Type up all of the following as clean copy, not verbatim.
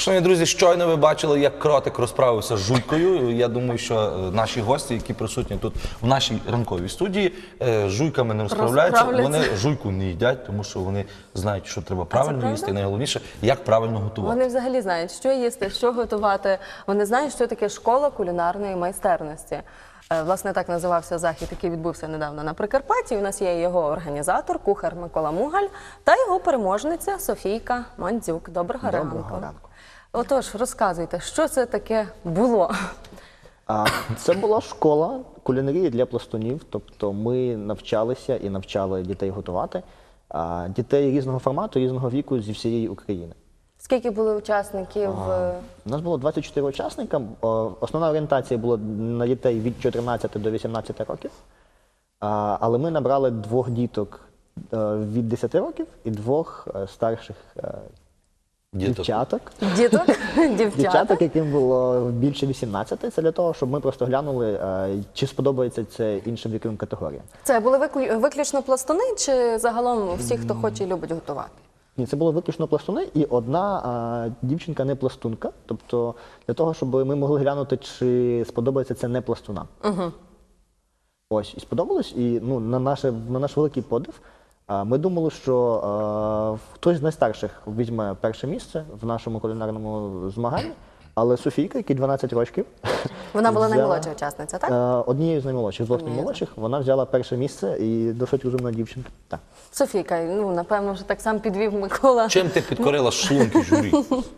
Шановні друзі, щойно ви бачили, як кротик розправився з жуйкою. Я думаю, що наші гості, які присутні тут в нашій ранковій студії, з жуйками не розправляються. Вони жуйку не їдять, тому що вони знають, що треба правильно їсти, і найголовніше, як правильно готувати. Вони взагалі знають, що їсти, що готувати. Вони знають, що таке школа кулінарної майстерності. Власне, так називався захід, який відбувся недавно на Прикарпатті. У нас є його організатор, кухар Микола Мугаль та його переможниця Софійка Мандзюк. Доброго ранку. Отож, розказуйте, що це таке було? Це була школа кулінарії для пластунів. Тобто ми навчалися і навчали дітей готувати. Дітей різного формату, різного віку зі всієї України. Скільки було учасників? У нас було 24 учасника. Основна орієнтація була на дітей від 14 до 18 років. Але ми набрали 2 діток від 10 років і 2 старших дівчаток. Дівчаток, яким було більше 18. Це для того, щоб ми просто глянули, чи сподобається це іншим віковим категоріям. Це були виключно пластуни чи загалом всі, хто хоче і любить готувати? Ні, це було виключно пластуни і одна дівчинка не пластунка. Тобто для того, щоб ми могли глянути, чи сподобається це не пластунам. Ось, і сподобалось. І на наш великий подив ми думали, що хтось з найстарших візьме перше місце в нашому кулінарному змаганні. Але Софійка, якій 12 років, вона була наймолодша учасниця, так? Однією з наймолодших, з 2 наймолодших, вона взяла перше місце і досить розумна дівчинка. Так. Софійка, напевно, вже так сам підвів Микола. Чим ти підкорила шлунки журі?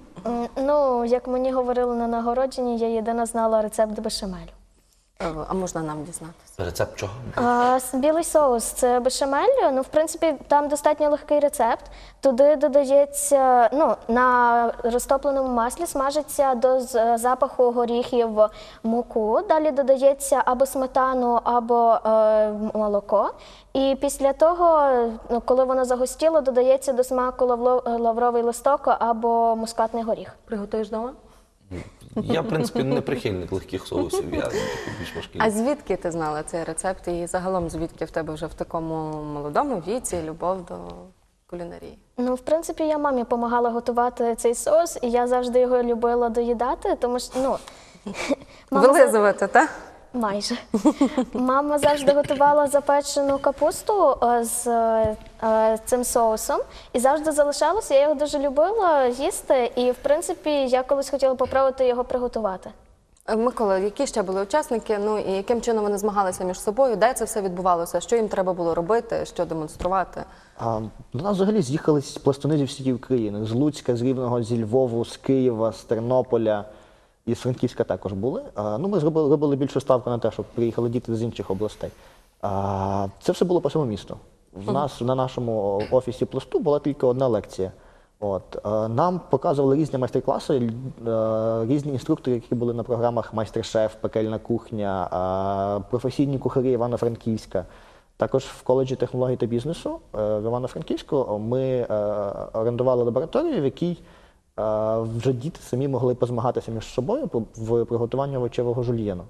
Як мені говорили на нагородженні, я єдина знала рецепт бешамелю. А можна нам дізнатися? Рецепт чого? Білий соус – це бешамель. В принципі, там достатньо легкий рецепт. Туди додається, на розтопленому маслі смажиться до запаху горіхів муку. Далі додається або сметану, або молоко. І після того, коли воно загустіло, додається до смаку лавровий листок або мускатний горіх. Приготуєш вдома? Я, в принципі, не прихильник легких соусів, я більш важкий. А звідки ти знала цей рецепт і загалом звідки в тебе вже в такому молодому віці любов до кулінарії? В принципі, я мамі допомагала готувати цей соус, і я завжди його любила доїдати, тому що, Вилизувати, так? Майже. Мама завжди готувала запечену капусту з цим соусом і завжди залишалося. Я його дуже любила їсти і, в принципі, я колись хотіла попробувати його приготувати. Микола, які ще були учасники, і яким чином вони змагалися між собою, де це все відбувалося, що їм треба було робити, що демонструвати? До нас взагалі з'їхались пластуни зі всієї України. З Луцька, з Рівного, зі Львову, з Києва, з Тернополя. І з Франківська також були. Ми робили більшу ставку на те, щоб приїхали діти з інших областей. Це все було по всьому місту. В нас на нашому офісі пласту була тільки одна лекція. Нам показували різні майстер-класи, різні інструктори, які були на програмах «Майстер-шеф», «Пекельна кухня», професійні кухарі Івано-Франківська. Також в коледжі технологій та бізнесу в Івано-Франківську ми орендували лабораторію, в якій вже діти самі могли позмагатися між собою в приготуванні овочевого жульєну.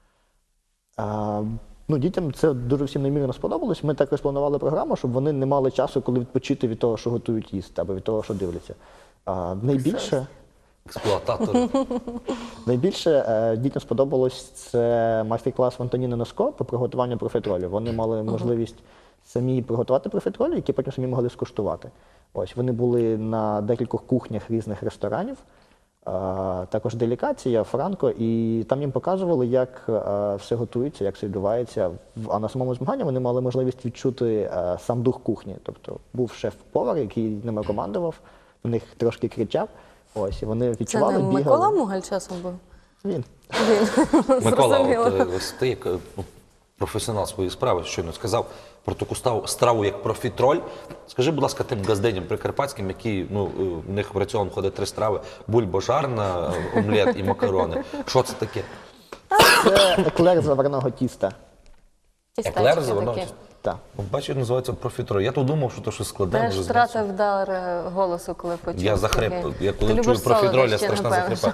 Дітям це дуже всім неймовірно сподобалось. Ми також планували програму, щоб вони не мали часу, коли відпочити від того, що готують їсти, або від того, що дивляться. Найбільше експлуататори. Найбільше дітям сподобалось це майстер-клас Антоніни Носко по приготуванню профітролю. Вони мали можливість самі приготувати профітролі, які потім самі могли скуштувати. Ось, вони були на декількох кухнях різних ресторанів, також делікація, Франко, і там їм показували, як все готується, як все відбувається. А на самому змаганні вони мали можливість відчути сам дух кухні. Тобто був шеф-повар, який ними командував, на них трошки кричав. Ось, і вони відчували, бігали. Це не Микола Мугаль часом був? Він. Микола, ось ти як професіонал своєї справи щойно сказав про таку страву, як профітроль. Скажи, будь ласка, тим газденям прикарпатським, які, в них в раціон входить 3 страви: бульба жарна, омлет і макарони. Що це таке? Це еклер з заварного тіста. Еклер з заварного тіста? Так. Бачиш, називається профітроль. Я то думав, що то щось складне. Теж втратив дар голосу, коли почув. Я захрип. Я коли чую профітроль, я страшно захрипаю.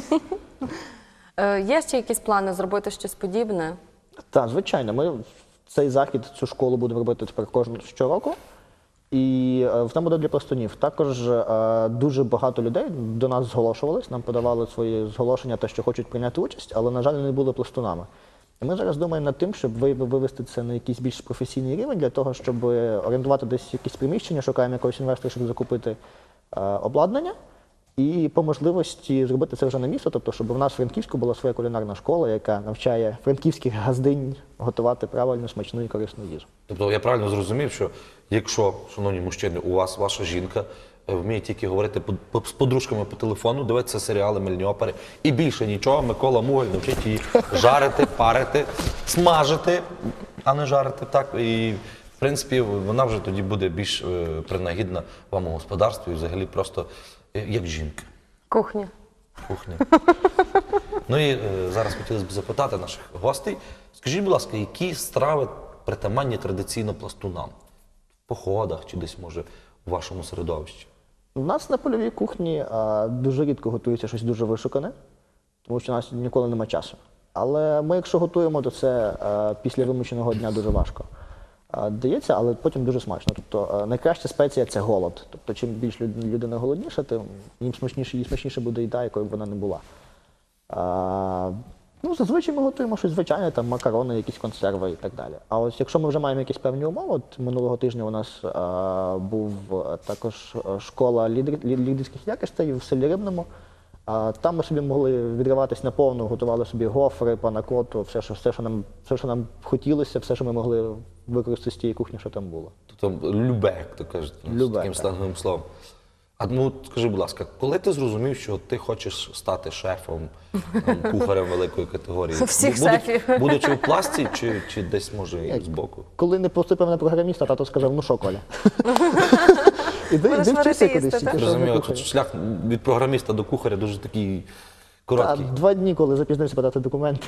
Є ще якісь плани зробити щось подібне? Так, звичайно. Ми цей захід, цю школу будемо робити тепер щороку. І вона буде для пластунів. Також дуже багато людей до нас зголошувались, нам подавали свої зголошення, те, що хочуть прийняти участь, але, на жаль, не були пластунами. І ми зараз думаємо над тим, щоб вивести це на якийсь більш професійний рівень, для того, щоб орендувати десь якісь приміщення, шукаємо якогось інвестора, щоб закупити обладнання. І по можливості зробити це вже на місто, тобто, щоб у нас в Франківську була своя кулінарна школа, яка навчає франківських газдинь готувати правильну, смачну і корисну їжу. Тобто я правильно зрозумів, що якщо, шановні мужчини, у вас ваша жінка вміє тільки говорити з подружками по телефону, дивитися серіали, мильні опери, і більше нічого, Микола Мугаль навчить її жарити, парити, смажити, а не жарити, так, і в принципі вона вже тоді буде більш принагідна вам у господарстві і взагалі просто як жінка. Кухня. Кухня. Ну і зараз хотілося б запитати наших гостей. Скажіть, будь ласка, які страви притаманні традиційно пластунам? В походах чи десь, може, у вашому середовищі? У нас на польовій кухні дуже рідко готується щось дуже вишукане, тому що у нас ніколи немає часу. Але ми, якщо готуємо, то це після вимученого дня дуже важко дається, але потім дуже смачно. Тобто найкраща спеція – це голод. Тобто чим більш людина голодніша, тим їй смачніше буде їда, якою б вона не була. Ну, зазвичай ми готуємо щось звичайне, там макарони, якісь консерви і так далі. А ось якщо ми вже маємо якісь певні умови, от минулого тижня у нас був також школа лідерських якостей в селі Рибному. Там ми собі могли відриватись наповну, готували собі гофри, панакоту, все, що нам хотілося, все, що ми могли використати з тієї кухні, що там було. Тобто любе, як то кажуть, Любе, таким сленговим словом. А ну, скажи, будь ласка, коли ти зрозумів, що ти хочеш стати шефом, там, кухарем великої категорії? Всіх шефів. Будучи в пласті чи десь, може, і збоку? Коли не поступив на програміста, тато сказав: ну що, Коля? Іди Будеш вчися варити кудись. їсти, тільки так? що Розумію, на от кухаря. шлях від програміста до кухаря дуже такий короткий. 2 дні, коли запізнився подати документи.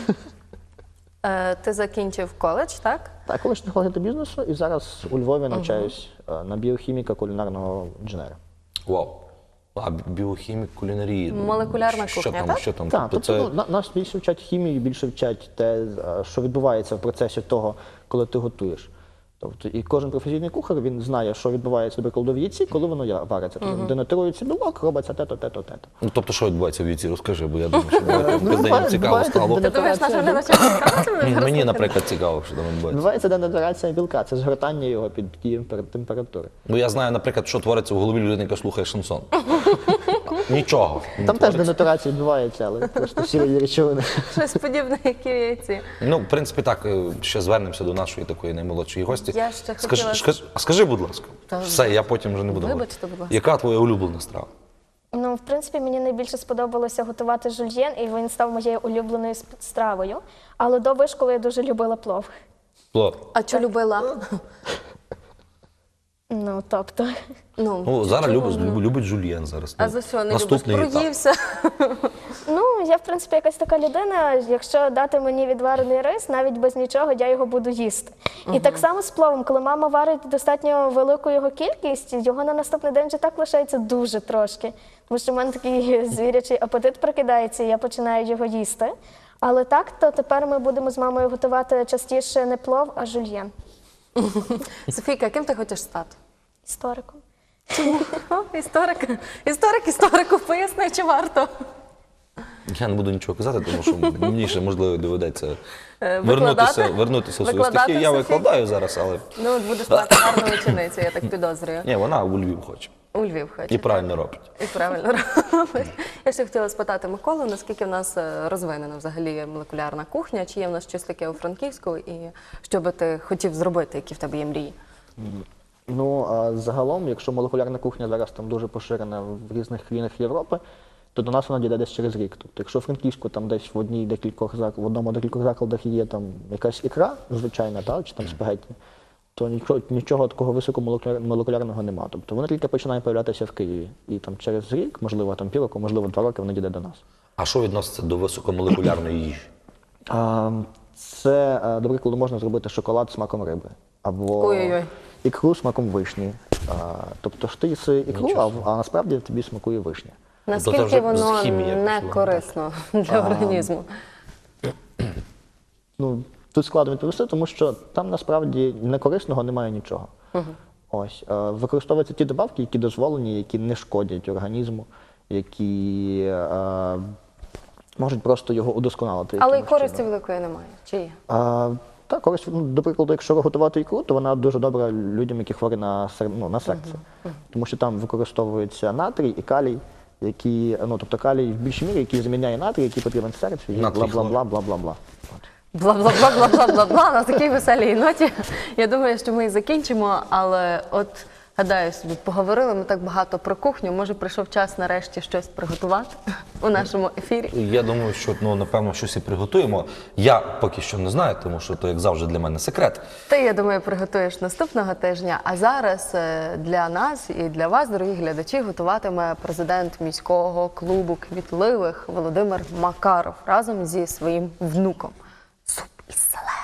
Ти закінчив коледж, так? Так, колишній технологія бізнесу, і зараз у Львові навчаюсь на біохіміка кулінарного інженера. Вау. А біохімік, кулінарії. Молекулярна що кухня, там, так? Що там? Так, Тобто тобто нас більше вчать хімії, більше вчать те, що відбувається в процесі того, коли ти готуєш. Тобто, і кожен професійний кухар, він знає, що відбувається, наприклад, в яйці, коли воно вариться. Тобто, денатурується білок, робиться те-то, те-то, те-то. Ну, тобто, що відбувається в віці? Розкажи, бо я думаю, що бездень цікаво буває, стало. Ти думаєш, наша глядача цікавить? Мені, наприклад, цікаво, що там відбувається. Відбувається денатурація білка, це згортання його під дією температури. Ну, я знаю, наприклад, що твориться в голові людини, яка слухає шансон. Нічого. не Там теж твориться. денатурація відбувається, але просто сірої речовини. Щось подібне, як і в яйці. Ну, в принципі, так, ще звернемося до нашої такої наймолодшої гості. Я ще хотіла- Скажи, будь ласка, Та- все, я потім вже не буду Вибачте, говорити. будь ласка. Яка твоя улюблена страва? Ну, в принципі, мені найбільше сподобалося готувати жульєн, і він став моєю улюбленою стравою. Але до вишколи я дуже любила плов. Плов. А що любила? Ну, тобто. Ну, зараз любить жульєн зараз. А Ну, за що не любиш? наступний етап. Проївся? Ну, я, в принципі, якась така людина, якщо дати мені відварений рис, навіть без нічого, я його буду їсти. І так само з пловом, коли мама варить достатньо велику його кількість, його на наступний день вже так лишається дуже трошки. Тому що в мене такий звірячий апетит прокидається, і я починаю його їсти. Але так, то тепер ми будемо з мамою готувати частіше не плов, а жульєн. Софійка, ким ти хочеш стати? Істориком. Історик. Історику, поясни, чи варто? Я не буду нічого казати, тому що мені ще, можливо, доведеться Викладати? вернутися в свою Викладати стихію. Я Софію? викладаю зараз, але Ну, от будеш мати гарну ученицю, я так підозрюю. ні, вона у Львів хоче. У Львів хоче. І правильно робить. І правильно робить. Я ще хотіла спитати Миколу, наскільки в нас розвинена взагалі молекулярна кухня, чи є в нас щось таке у Франківську, і що би ти хотів зробити, які в тебе є мрії? Ну, а загалом, якщо молекулярна кухня зараз там дуже поширена в різних країнах Європи, то до нас вона дійде десь через рік. Тобто, якщо в Франківську там десь в одному декількох закладах є там якась ікра звичайна, та, чи там спагетті, то нічого такого високомолекулярного немає. Тобто вона тільки починає з'являтися в Києві. І там через рік, можливо, там півроку, можливо, 2 роки вона дійде до нас. А що відноситься до високомолекулярної їжі? Це, до прикладу, можна зробити шоколад з смаком риби. Або Ой-ой-ой. ікру з смаком вишні. Тобто ж ти їси ікру, а насправді тобі смакує вишня. це Наскільки вже воно хімія не пішла, корисно для організму? Ну, тут складно відповісти, тому що там насправді некорисного немає нічого. Ось. Використовуються ті добавки, які дозволені, які не шкодять організму, які можуть просто його удосконалити. Але і якимось користі чином. великої немає. Чи є? Так, користь, до прикладу, якщо готувати ікру, то вона дуже добра людям, які хворі на серце. Тому що там використовується натрій і калій, які, тобто калій в більшій мірі, який заміняє натрій, який потрібен серцю, і Натрій бла-бла-бла. Бла-бла-бла-бла-бла-бла. На такій веселій ноті. Я думаю, що ми і закінчимо, але от гадаю собі, поговорили ми так багато про кухню. Може, прийшов час нарешті щось приготувати у нашому ефірі. Я думаю, що напевно щось і приготуємо. Я поки що не знаю, тому що то, як завжди, для мене секрет. Ти, я думаю, приготуєш наступного тижня. А зараз для нас і для вас, дорогі глядачі, готуватиме президент міського клубу квітливих Володимир Макаров разом зі своїм внуком. Суп із селери.